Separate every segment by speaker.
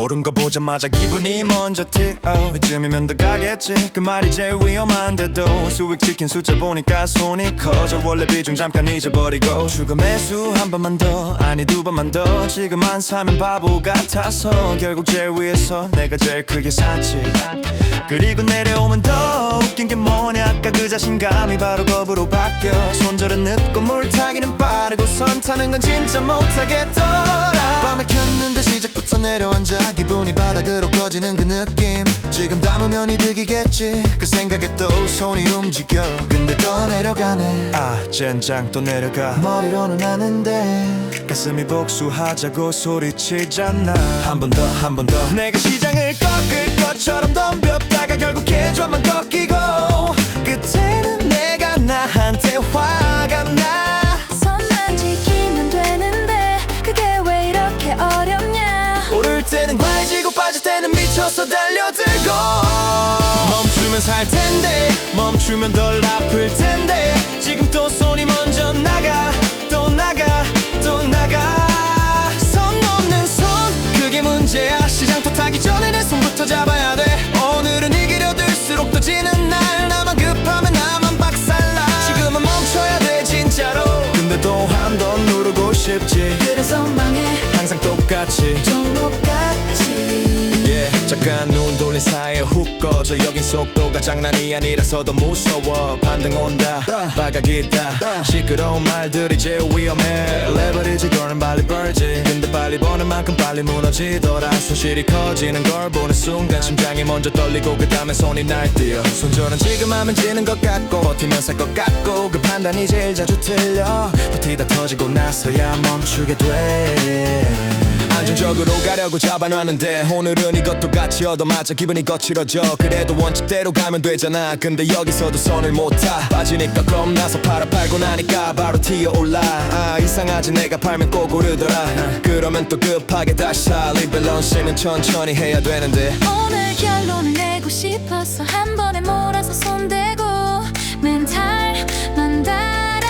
Speaker 1: 오른 거 보자마자 기분이 먼저 튀어 이쯤이면 더 가겠지 그 말이 제일 위험한데도 수익 지킨 숫자 보니까 손이 커져 원래 비중 잠깐 잊어버리고 죽음의 수 한 번만 더 아니 두 번만 더 지금 안 사면 바보 같아서 결국 제일 위에서 내가 제일 크게 샀지 그리고 내려오면 더 웃긴 게 뭐냐 아까 그 자신감이 바로 겁으로 바뀌어 손절은 늦고 물타기는 빠르고 선 타는 건 진짜 못하겠더라 밤에 켰는데 시작부터 내려앉아 기분이 바닥으로 꺼지는 그 느낌 지금 담으면 이득이겠지 그 생각에 또 손이 움직여 근데 또 내려가네 아 젠장 또 내려가 머리로는 아는데 가슴이 복수하자고 소리치잖아 한 번 더 한 번 더 내가 시장을 꺾을 것처럼 덤볐다가 결국 계좌만 꺾이고 그때는 내가 나한테 화가 나
Speaker 2: 선만 지키면 되는데 그게 왜 이렇게 어렵냐
Speaker 1: 오를 때는 과해지고 빠질 때는 미쳐서 달려들고 멈추면 살 텐데 멈추면 덜 아플 텐데 지금 또 손이 먼저 나가 또 나가 또 나가 선 넘는 손 그게 문제야 시장터 타기 전에 내 손부터 잡아야 돼 오늘은 이기려 들수록 더 지는 날 나만 급하면 나만 박살나 지금은 멈춰야 돼 진짜로 근데 또 한 번 누르고 싶지
Speaker 2: 그래서 망해
Speaker 1: 항상 똑같이
Speaker 2: 종목같이
Speaker 1: 잠깐 눈 돌린 사이에 훅 꺼져 여긴 속도가 장난이 아니라서 더 무서워 반등 온다 바가기다 시끄러운 말들이 제일 위험해 레버리지 거는 빨리 벌지 근데 빨리 버는 만큼 빨리 무너지더라 손실이 커지는 걸 보는 순간 심장이 먼저 떨리고 그 다음에 손이 날뛰어 손절은 지금 하면 지는 것 같고 버티면 살 것 같고 그 판단이 제일 자주 틀려 버티다 터지고 나서야 멈추게 돼 안정적으로 가려고 잡아놨는데 오늘은 이것도 같이 얻어맞아 기분이 거칠어져 그래도 원칙대로 가면 되잖아 근데 여기서도 손을 못 타 빠지니까 겁나서 팔고 나니까 바로 튀어올라 아 이상하지 내가 팔면 꼭 오르더라 그러면 또 급하게 다시 사 리밸런싱은 천천히 해야 되는데
Speaker 2: 오늘 결론을 내고 싶어서 한 번에 몰아서 손대고 멘탈만 달아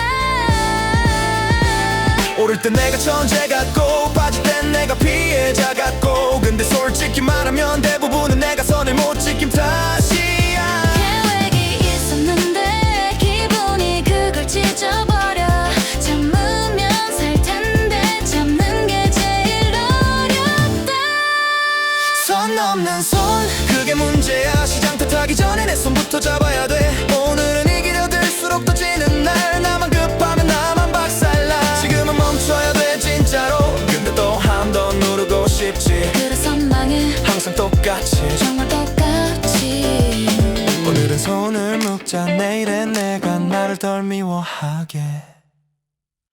Speaker 1: 오를 땐 내가 천재 같고 빠질 땐 내가 피해자 같고 근데 솔직히 말하면 대부분은 내가 선을 못 지킴 탓이야
Speaker 2: 계획이 있었는데 기분이 그걸 찢어버려 참으면 살 텐데 참는 게 제일 어렵다
Speaker 1: 선 넘는 손 그게 문제야 시장 탓하기 전에 내 손부터 잡아야 돼 오늘은 이기려 들수록 더 지는 날 나만 급하면 나만 박살나 지금은 멈춰야 돼 진짜로 근데 또 한 번 누르고 싶지
Speaker 2: 그래서 망해
Speaker 1: 항상 똑같이
Speaker 2: 정말 똑같이
Speaker 1: 오늘은 손을 묶자 내일은 내가 나를 덜 미워하게